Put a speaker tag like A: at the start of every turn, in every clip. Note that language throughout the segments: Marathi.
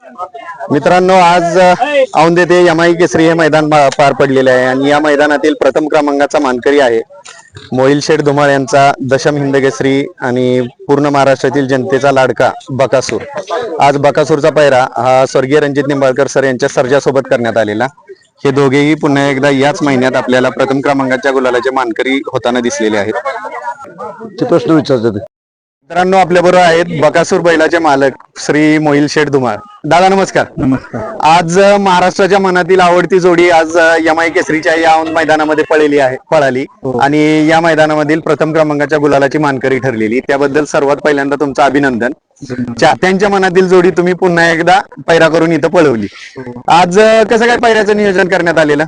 A: मित्रांनो, आज औंध येथे यमाई केसरी हे मैदान पार पडलेले आहे आणि या मैदानातील प्रथम क्रमांकाचा मानकरी आहे मोहिल शेठ धुमाळ यांचा दशम हिंद केसरी आणि पूर्ण महाराष्ट्रातील जनतेचा लाडका बकासूर. आज बकासूरचा पैरा हा स्वर्गीय रणजित निंबाळकर सर यांच्या सर्जासोबत करण्यात आलेला. हे दोघेही पुन्हा एकदा याच महिन्यात आपल्याला प्रथम क्रमांकाच्या गुलालाचे मानकरी होताना दिसलेले आहेत.
B: ते प्रश्न विचारतात.
A: मित्रांनो, आपल्या बरोबर आहेत बकासूर बैलाचे मालक श्री मोहिल शेठ धुमाळ. दादा नमस्कार.
B: नमस्कार.
A: आज महाराष्ट्राच्या मनातील आवडती जोडी आज यमाई केसरीच्या या मैदानामध्ये पळाली आणि या मैदानामधील प्रथम क्रमांकाच्या गुलालाची मानकरी ठरलेली. त्याबद्दल सर्वात पहिल्यांदा तुमचं अभिनंदन. चाहत्यांच्या मनातील जोडी तुम्ही पुन्हा एकदा पैरा करून इथं पळवली. आज कसं काय पैऱ्याचं नियोजन करण्यात आलेलं?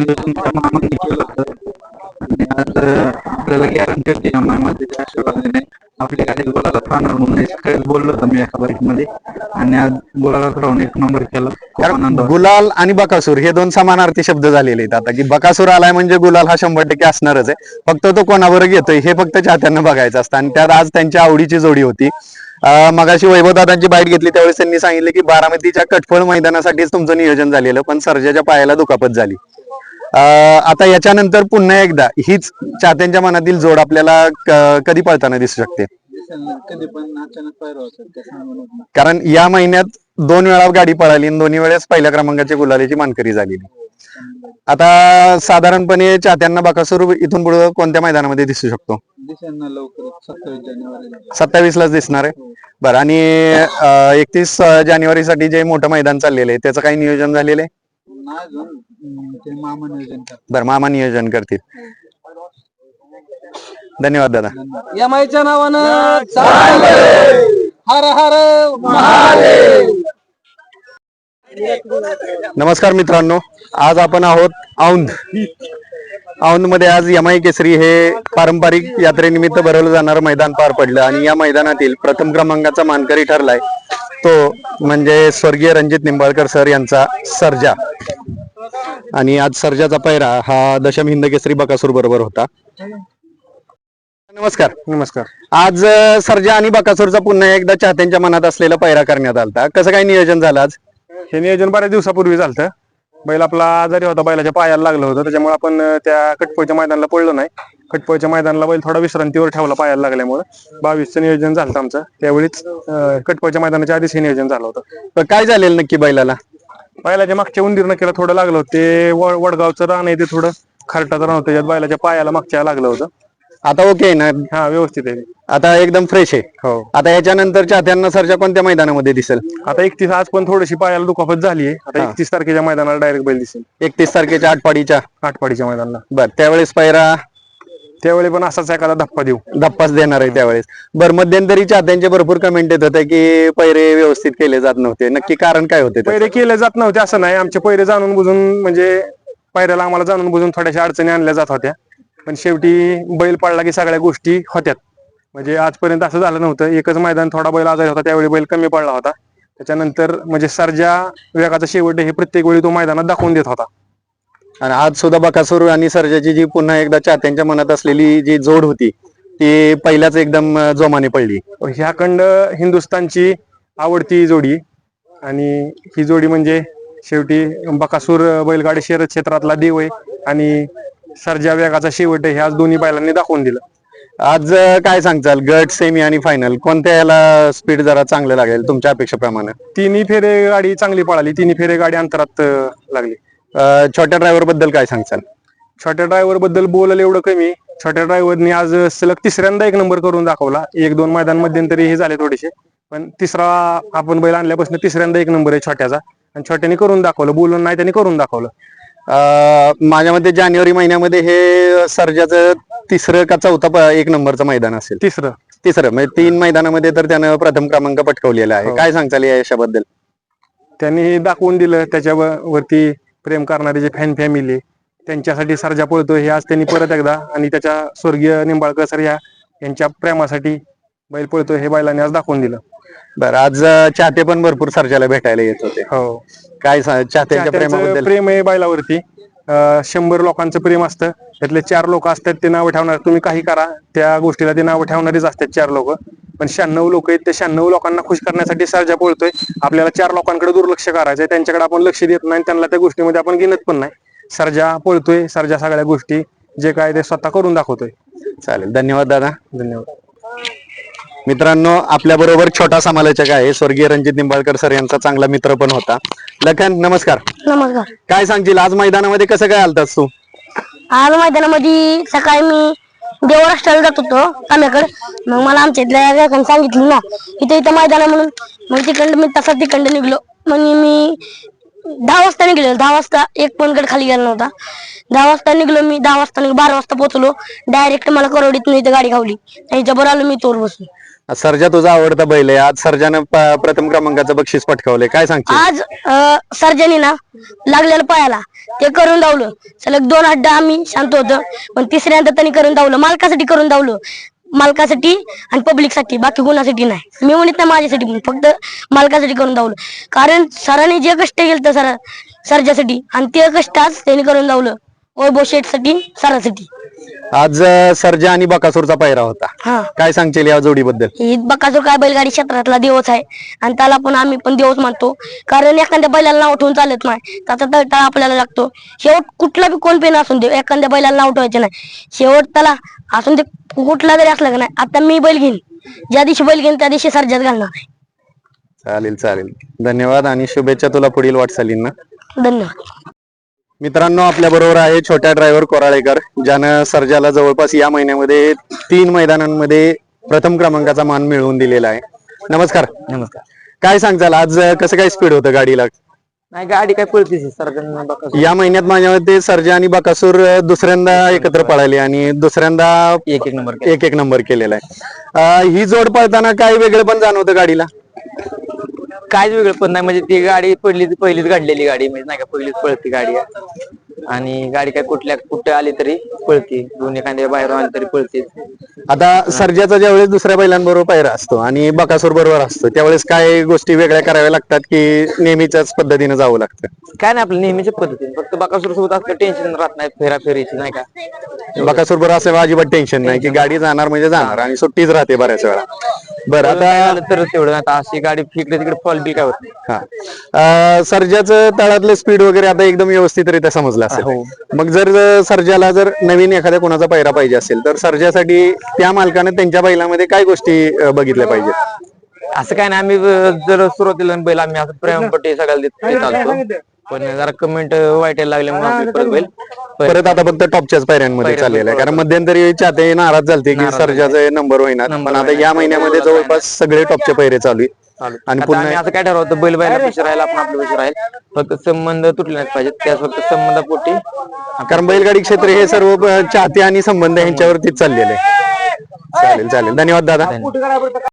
B: आपल्याला गॅरंटी होती आपल्या गाडीत बोलायला पाहणार म्हणून बोललो होतो मी एका बाईकमध्ये आणि आज बोलायला राहून एक नंबर केला.
A: गुलाल आणि बकासूर हे दोन समानार्थी शब्द झालेले आहेत आता, की बकासूर आलाय म्हणजे गुलाल हा 100% असणारच आहे. फक्त तो कोणावर घेतोय हे फक्त चाहत्यांना बघायचं असतं आणि त्यात आज त्यांच्या आवडीची जोडी होती. मगाशी वैभवदादांची बाईट घेतली त्यावेळेस त्यांनी सांगितले की बारामतीच्या कटफळ मैदानासाठीच तुमचं नियोजन झालेलं, पण सर्जाच्या पायाला दुखापत झाली. आता याच्यानंतर पुन्हा एकदा हीच चाहत्यांच्या मनातील जोड आपल्याला कधी पळताना दिसू शकते?
C: कधी पण अचानक
A: कारण या महिन्यात 2 वेळा गाडी पळाली आणि दोन्ही वेळेस पहिल्या क्रमांकाची गुलालीची मानकरी झालेली. आता साधारणपणे चाहत्यांना बकासूर इथून पुढे कोणत्या मैदानामध्ये दिसू शकतो?
C: लवकरच 27 जानेवारी
A: 27लाच दिसणार आहे. बरं, आणि 31 जानेवारीसाठी जे मोठं मैदान चाललेलं आहे त्याचं काही नियोजन झालेलं आहे? बरं, मामा नियोजन करतील. धन्यवाद दादा.
C: यमाईच्या नावानं हर हर
A: नमस्कार मित्रांनो, आज आपण आहोत औंध मध्ये. आज यमाई केसरी हे पारंपरिक यात्रेनिमित्त भरवलं जाणारं मैदान पार पडलं आणि या मैदानातील प्रथम क्रमांकाचा मानकरी ठरलाय तो म्हणजे स्वर्गीय रणजित निंबाळकर सर यांचा सर्जा. आणि आज सर्जाचा पैरा हा दशम हिंद केसरी बकासूर बरोबर होता. नमस्कार.
B: नमस्कार.
A: आज सर्जा आणि बकासूरचा पुन्हा एकदा चाहत्यांच्या मनात असलेला पैरा करण्यात आलता. कसं काय नियोजन झालं आज?
B: हे नियोजन बऱ्याच दिवसापूर्वी झालं. बैल आपला आजारी होता, बैलाच्या पायाला लागलं होतं, त्याच्यामुळे आपण त्या कटपोळच्या मैदानाला पडलो नाही. कटपोळच्या मैदानाला बैल थोडा विश्रांतीवर ठेवला पायाला लागल्यामुळे. 22चं नियोजन झालं आमचं. त्यावेळीच कटपोळच्या मैदानाच्या आधीच हे नियोजन झालं होतं.
A: काय झालेलं नक्की बैलाला?
B: बैलाच्या मागच्या उंदीरनं केलं थोडं लागलं होतं. ते वडगावचं रान आहे ते थोडं खारटाचं रान होतं, त्याच्यात बैलाच्या पायाला मागच्या लागलं होतं.
A: आता ओके ना?
B: हा, व्यवस्थित आहे,
A: आता एकदम फ्रेश आहे.
B: हो.
A: आता याच्यानंतर चाहत्यांना सर्जा कोणत्या मैदानामध्ये दिसेल?
B: आता 31 आज पण थोडीशी पायाला दुखापत झाली आहे. आता 31 तारखेच्या मैदानाला डायरेक्ट बैल दिसेल.
A: 31 तारखेच्या
B: आटपाडीच्या मैदानाला.
A: बरं, त्यावेळेस पैरा
B: त्यावेळी पण असाच एखादा
A: धप्पाच देणार आहे त्यावेळेस. बरं, मध्यंतरी चाहत्यांचे भरपूर कमेंट येत होते की पैरे व्यवस्थित केले जात नव्हते. नक्की कारण काय होते?
B: पैरे केले जात नव्हते असं नाही. आमचे पैरे जाणून बुजून म्हणजे पैऱ्याला आम्हाला जाणून बुजून थोड्याशा अडचणी आणल्या जात होत्या, पण शेवटी बैल पडला की सगळ्या गोष्टी होत्यात. म्हणजे आजपर्यंत असं झालं नव्हतं. एकच मैदान थोडा बैल आजारी होता, त्यावेळी बैल कमी पडला होता. त्याच्यानंतर म्हणजे सर्जा वेगाचा शेवट हे प्रत्येक वेळी तो मैदानात दाखवून देत होता.
A: आणि आज सुद्धा बकासूर आणि सर्जाची जी पुन्हा एकदा चाहत्यांच्या मनात असलेली जी जोड होती ती पहिल्याच एकदम जोमाने पडली.
B: ह्याखंड हिंदुस्थानची आवडती जोडी आणि ही जोडी म्हणजे शेवटी बकासूर बैलगाडी शर्यत क्षेत्रातला देव आहे आणि सर्जा वेगाचा शेवट हे आज दोन्ही बैलांनी दाखवून दिलं.
A: आज काय सांगचाल, गट, सेमी आणि फायनल कोणत्या याला स्पीड जरा चांगलं लागेल तुमच्या अपेक्षेप्रमाणे?
B: तिन्ही फेरे गाडी चांगली पळाली, तिन्ही फेरे गाडी अंतरात लागली.
A: छोट्या ड्रायव्हर बद्दल काय सांगचाल?
B: छोट्या ड्रायव्हर बद्दल बोलायला एवढं कमी. छोट्या ड्रायव्हरनी आज सलग तिसऱ्यांदा एक नंबर करून दाखवला. 1-2 मैदान मध्यंतरी हे झाले थोडेसे, पण तिसरा आपण बैल आणल्यापासून तिसऱ्यांदा एक नंबर आहे छोट्याचा आणि छोट्याने करून दाखवलं. बोलून नाही, त्यांनी करून दाखवलं.
A: माझ्या मते जानेवारी महिन्यामध्ये हे सर्जाचं तिसरं का चौथा एक नंबरचं मैदान असेल. तिसरं म्हणजे 3 मैदानामध्ये तर त्यानं प्रथम क्रमांक पटकावलेला आहे. काय सांगताल या यशाबद्दल?
B: त्यांनी दाखवून दिलं. त्याच्यावरती प्रेम करणारे जे फॅन फॅमिली त्यांच्यासाठी सर्जा पळतो हे आज त्यांनी परत एकदा आणि त्याच्या स्वर्गीय निंबाळकर सर यांच्या प्रेमासाठी बैल पळतो हे बैलांनी आज दाखवून दिलं.
A: बरं, आज चाहते पण भरपूर सर्जाला भेटायला येत होते.
B: हो.
A: काय चाहत्यांच्या प्रेमाबद्दल?
B: प्रेम आहे बैलावरती 100 लोकांचं प्रेम असतं. त्यातले 4 लोक असतात ते नावं ठेवणार. तुम्ही काही करा त्या गोष्टीला ते नावं ठेवणारीच असतात 4 लोक. पण 96 लोक आहेत. त्या 96 लोकांना खुश करण्यासाठी सर्जा पळतोय. आपल्याला 4 लोकांकडे दुर्लक्ष करायचंय. त्यांच्याकडे आपण लक्ष देत नाही. त्यांना त्या गोष्टीमध्ये आपण गिनत पण नाही. सर्जा पळतोय. सर्जा सगळ्या गोष्टी जे काय ते स्वतः करून दाखवतोय.
A: चालेल, धन्यवाद दादा.
B: धन्यवाद.
A: मित्रांनो, आपल्या बरोबर छोटा समालोचक आहे स्वर्गीय रणजित निंबाळकर सर यांचा चांगला मित्र पण होता. लखन, नमस्कार.
D: नमस्कार.
A: काय सांगशील आज मैदानामध्ये कसं काय आलतास तू?
D: आज मैदानामध्ये सकाळी मी देवराष्ट्राला जात होतो काम्याकडे. मग मला आमच्या इथल्या व्याख्यान सांगितलं ना इथं मैदान आहे म्हणून. मग तिकडं मी तसा तिकडं निघलो. मग मी 10 वाजता निघलो. 10 वाजता एक पण गड खाली गेला नव्हता. 10 वाजता निघलो मी. 10 वाजता 12 वाजता पोहोचलो. डायरेक्ट मला करोडीतून इथं गाडी खावली. त्याच्यावर आलो मी तोर बसून.
A: सर्जा तुझा आवडता बैल आहे. आज सर्जानं प्रथम क्रमांकाचं बक्षीस पटकावले. काय सांगशील?
D: आज सर्जनी ना लागलेलं पायाला ते करून धावलं. सलग 2 अड्डा आम्ही शांत होतो. पण तिसऱ्यांदा त्यांनी करून धावलं. मालकासाठी करून धावलं. मालकासाठी आणि पब्लिकसाठी, बाकी कोणासाठी नाही. मी म्हणत नाही माझ्यासाठी, पण फक्त मालकासाठी करून धावलं. कारण सरांनी जे कष्ट केलं सर्जासाठी आणि ते कष्ट आज त्यांनी करून धावलं. वैभव शेठसाठी, सरासाठी.
A: आज सर्जा आणि बकासूरचा पायरा होता.
D: हा,
A: काय सांगशील या जोडीबद्दल?
D: ही बकासूर काय बैलगाडी क्षेत्रातला देवच आहे आणि त्याला पण आम्ही पण देवच मानतो. कारण एखाद्या बैलाला नाव ठेवून चालत नाही. त्याचा तळतळा आपल्याला लागतो. शेवट कुठला बी कोण पेन असून दे, एखाद्या बैलाला नाव ठेवायचं नाही. शेवट त्याला असून ते कुठला जरी असला का नाही. आता मी बैल घेईन, ज्या दिवशी बैल घेईन त्या दिवशी सर्जाच घालणार आहे.
A: चालेल चालेल, धन्यवाद आणि शुभेच्छा तुला पुढील वाटचालींना.
D: धन्यवाद.
A: मित्रांनो, आपल्या बरोबर आहे छोट्या ड्रायव्हर कोराळेकर, ज्यानं सर्जाला जवळपास या महिन्यामध्ये 3 मैदानांमध्ये प्रथम क्रमांकाचा मान मिळवून दिलेला आहे. नमस्कार.
E: नमस्कार.
A: काय सांगताल आज कसं काय स्पीड होतं गाडीला?
E: नाही, गाडी काय पळतीच सर्जन
A: या महिन्यात माझ्या मते सर्जा आणि बकासूर दुसऱ्यांदा एकत्र पळाली आणि दुसऱ्यांदा
E: एक नंबर
A: एक नंबर केलेला आहे. ही जोड पळताना काय वेगळं पण जाणवतं गाडीला?
E: काहीच वेगळं पण नाही. म्हणजे ती गाडी पहिलीच काढलेली गाडी, म्हणजे नाही का पहिलीच पळती गाडी आणि गाडी काय कुठे आली तरी पळती. दोन्ही एखाद्या बाहेर आली तरी पळते.
A: आता सर्जाचा ज्यावेळेस दुसऱ्या बैलांबरोबर पायरा असतो आणि बकासूर बरोबर असतो त्यावेळेस काय गोष्टी वेगळ्या कराव्या लागतात की नेहमीच्याच पद्धतीने जावं लागतं?
E: काय नाही, आपल्या नेहमीच्या पद्धतीने. फक्त बकासूर सोबत असलं टेन्शन राहत नाही फेरीची, नाही का.
A: बकासूर बरोबर असं अजिबात टेन्शन नाही की गाडी जाणार म्हणजे जाणार आणि सुट्टीच राहते बऱ्याच वेळा. बरं, आता
E: तर तेवढं आता अशी गाडी फिकडे तिकडे फॉल बी काय होत नाही.
A: सर्जाचं तळातलं स्पीड वगैरे आता एकदम व्यवस्थितरित्या समजलं असेल. मग जर सर्जाला जर नवीन एखाद्या कोणाचा पायरा पाहिजे असेल तर सर्जासाठी त्या मालकाने त्यांच्या बैलामध्ये काय गोष्टी बघितल्या पाहिजेत?
E: असं काय नाही, आम्ही जर सुरुवातीला बैल आम्ही असं प्रेमपट्टी सगळ्याला देत चालतो. पण जरा कमेंट वाईट बैल
A: परत आता फक्त टॉपच्याच पायऱ्यांमध्ये चाललेलं आहे. कारण मध्यंतरी चाहते नाराज झालते की सर्जाचा नंबर होईना, पण आता या महिन्यामध्ये जवळपास सगळे टॉपचे पायरे चालू आहेत. आणि पुन्हा
E: असं काय ठरवतं, बैल बायला पैसे राहील, आपण आपले पैसे राहील. फक्त संबंध तुटले नाहीत पाहिजेत. त्याच फक्त संबंधापोटी,
A: कारण बैलगाडी क्षेत्र हे सर्व चाहते आणि संबंध यांच्यावरतीच चाललेले आहे. चालेल चालेल, धन्यवाद दादा.